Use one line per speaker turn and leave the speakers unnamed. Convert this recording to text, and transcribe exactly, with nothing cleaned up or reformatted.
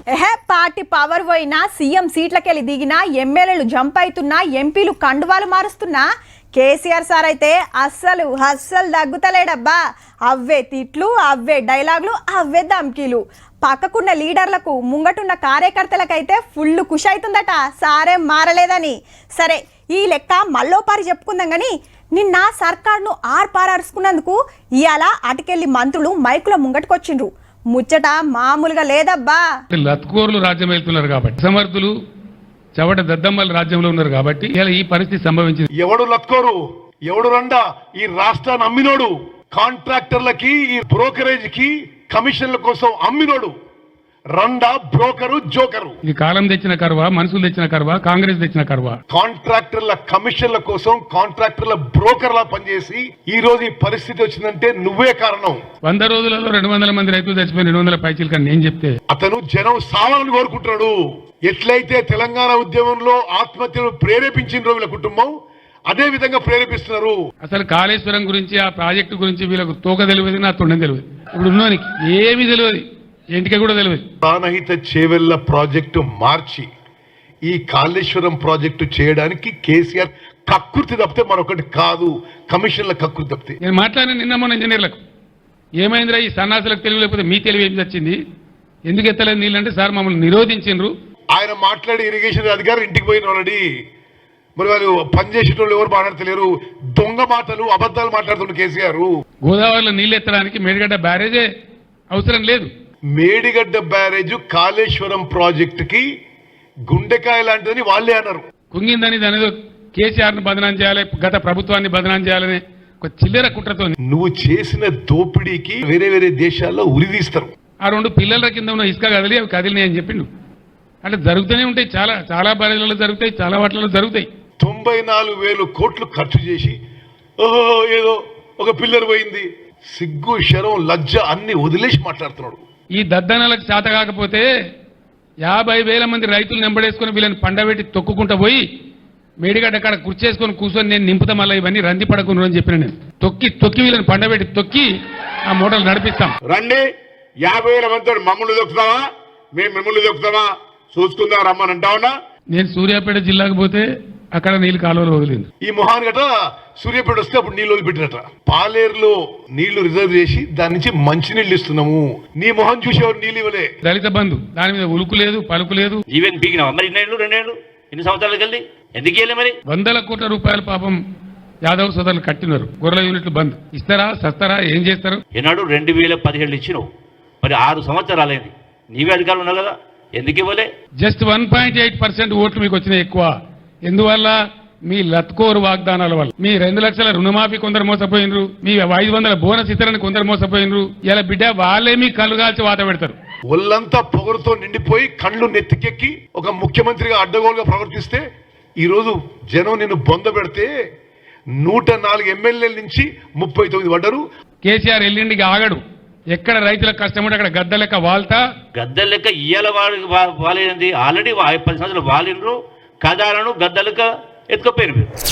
ఎహే party power పోయినా CM సీట్లకెళ్ళి దిగినా ఎమ్మెల్యేలు జంప్ అవుతున్నా ఎంపీలు కండువాలు మారుస్తున్నా కేసీఆర్ సార్ అయితే అస్సలు అస్సలు దగ్గుతలేడబ్బా. అవే తిట్లు, అవే డైలాగులు, అవే ధమ్కీలు. పక్కకున్న లీడర్లకు ముంగటున్న కార్యకర్తలకైతే ఫుల్ ఖుషి అవుతుందట సారేం మారలేదని. సరే ఈ లెక్క మళ్ళోపారి చెప్పుకుందాం కానీ నిన్న సర్కార్ను ఆర్పారరుచుకున్నందుకు ఇవాళ అటుకెళ్ళి మంత్రులు మైకుల ముంగటుకొచ్చిండ్రు. ముచ్చట మామూలుగా లేదబ్బా.
లత్కోర్లు రాజ్యం వెళ్తున్నారు కాబట్టి, సమర్థులు చవట దద్దమ్మల రాజ్యంలో ఉన్నారు కాబట్టి ఇలా ఈ పరిస్థితి సంభవించింది.
ఎవడు లత్కోరు, ఎవడు రండా ఈ రాష్ట్రాన్ని అమ్మినోడు, కాంట్రాక్టర్లకి ఈ బ్రోకరేజ్ కి కమిషన్ల కోసం అమ్మినోడు రండా బ్రోకరు జోకరు.
ఇది కాలం తెచ్చిన కరువా, మనుషులు తెచ్చిన కరువా, కాంగ్రెస్ తెచ్చిన కరువా?
కాంట్రాక్టర్ల కమిషన్ల కోసం కాంట్రాక్టర్ల బ్రోకర్లా పనిచేసి ఈ రోజు ఈ పరిస్థితి వచ్చిందంటే నువ్వే కారణం.
వంద రోజులలో రెండు వందల మంది రైతులు చచ్చిపోయి రెండు వందల పైచీలు కానీ నేను చెప్తే
అతను జనం సావాలని కోరుకుంటున్నాడు. ఎట్లయితే తెలంగాణ ఉద్యమంలో ఆత్మహత్యలు ప్రేరేపించిన వీళ్ళ కుటుంబం అదే విధంగా ప్రేరేపిస్తున్నారు.
అసలు కాళేశ్వరం గురించి, ఆ ప్రాజెక్టు గురించి వీళ్ళకు తోక తెలియదు, నా తొండం తెలియదు. ఇప్పుడు ఉన్నోనికి ఏమీ తెలియదు, ఇంటికి కూడా తెలియదు.
ప్రాణహిత చేవెళ్ల ప్రాజెక్టు మార్చి ఈ కాళేశ్వరం ప్రాజెక్టు చేయడానికి కేసీఆర్ కక్కుర్తి తప్పితే మరొకటి కాదు, కమిషన్ల కక్కుర్తి తప్పితే.
నేను మాట్లాడిన నిన్న మొన్న ఇంజనీర్లకు ఏమైందిరా ఈ సన్నాసులకు తెలివి లేకపోతే మీ తెలివి ఏం వచ్చింది, ఎందుకు ఎత్తలేదు నీళ్ళంటే సార్ మమ్మల్ని నిరోధించిండ్రు.
ఆయన మాట్లాడి ఇరిగేషన్ అధికారులు ఇంటికి పోయిన ఆల్రెడీ. మరి వాళ్ళు పనిచేసేటోళ్ళు ఎవరు మాట్లాడతలేరు, దొంగ మాటలు అబద్ధాలు మాట్లాడుతున్నారు కేసీఆర్.
గోదావరిలో నీళ్ళు ఎత్తడానికి మేడిగడ్డ బ్యారేజే అవసరం లేదు.
మేడిగడ్డ బ్యారేజ్ కాళేశ్వరం ప్రాజెక్టుకి గుండెకాయ లాంటిదని వాళ్ళే అన్నారు.
కుంగిందని దాని కేసీఆర్ ను బదనాం చేయాలి, గత ప్రభుత్వాన్ని బదనాం చేయాలని ఒక చిల్లర కుట్రతో
నువ్వు చేసిన దోపిడీకి వేరే వేరే దేశాల్లో ఉరిదీస్తారు.
ఆ రెండు పిల్లల కింద ఉన్న ఇసుక కదిలి అవి కదిలినాయి అని చెప్పిండు. అంటే జరుగుతూనే ఉంటాయి, చాలా చాలా బ్యారేజ్లలో జరుగుతాయి, చాలా వాటిలలో జరుగుతాయి.
తొంభై నాలుగు వేలు కోట్లు ఖర్చు చేసి ఓహో ఏదో ఒక పిల్లర్ పోయింది, సిగ్గు శరం లజ్జ అన్ని వదిలేసి మాట్లాడుతున్నాడు.
ఈ దద్దనలకు చేత కాకపోతే యాభై వేల మంది రైతులు నెంబడేసుకుని వీళ్ళని పండబెట్టి తొక్కుకుంటూ పోయి మేడిగడ్డ అక్కడ కుర్చేసుకొని కూర్చొని నేను నింపుతా మళ్ళీ ఇవన్నీ రంది పడకుండా అని చెప్పిన నేను. తొక్కి తొక్కి వీళ్ళని పండబెట్టి తొక్కి ఆ మూటలు నడిపిస్తాం.
రండి, యాభై వేల మందితో మమ్మల్ని దొక్కుతావా, మేము మిమ్మల్ని దొక్కుతావా చూసుకుందా రమ్మని అంటావునా.
నేను సూర్యాపేట జిల్లాకు పోతే అక్కడ నీళ్ళు కాలువలు వదిలింది.
ఈ మొహాన్ గట సూర్యాపేట వస్తే అప్పుడు నీళ్ళు వదిలిపెట్టినట. పాలేరులో నీళ్లు రిజర్వ్ చేసి దాని నుంచి మంచి నీళ్లు ఇస్తున్నాము. నీ మొహం చూసేవారు నీళ్ళు ఇవ్వలే.
దళిత బంధు దాని మీద ఉలుకు లేదు, పలుకు లేదు.
ఈవెన్ పీకినావా మరి ఇన్నేళ్ళు రెండేళ్ళు ఎన్ని సంవత్సరాలకు వెళ్ళి ఎందుకు వెళ్ళి మరి
వందల కోట్ల రూపాయలు పాపం యాదవ్ సోదరులు కట్టినారు. గొర్రెల యూనిట్లు బంద్ ఇస్తారా సస్తారా ఏం చేస్తారు?
ఈనాడు రెండు వేల పదిహేళ్ళు ఇచ్చినావు, మరి ఆరు సంవత్సరాలైంది, నీవే అధికారులు ఉన్నావు కదా, ఎందుకు ఇవ్వలే?
Just one point eight percent ఓట్లు మీకు వచ్చినాయి ఎక్కువ. ఎందువల్ల? మీ లత్కోరు వాగ్దానాల వల్ల. మీ రెండు లక్షల రుణమాఫీ కొందరు మోసపోయినరు, మీ ఐదు వందల బోనస్ ఇతరని కొందరు మోసపోయినరు. ఇలా బిడ్డ వాళ్ళే మీ కళ్ళు కాల్చి వాత పెడతారు.
ఒళ్ళంతా పొగరుతో నిండిపోయి కళ్ళు నెత్తికెక్కి ఒక ముఖ్యమంత్రిగా అడ్డగోలుగా ప్రవర్తిస్తే ఈ రోజు జనం నిన్ను బొంద పెడితే నూట నాలుగు ఎమ్మెల్యేల నుంచి ముప్పై తొమ్మిది పడ్డరు.
కేసీఆర్ ఎల్లుండికి ఆగడు. ఎక్కడ రైతులకు కష్టం ఉంటే అక్కడ గద్ద లెక్క వాళ్తా.
గద్ద లెక్క ఇయ్యాల వాలేంది, ఆల్రెడీ పది సంవత్సరాలు వాలిండ్రు, కదాలను గద్దలక ఎత్తుకపోయిన మీరు.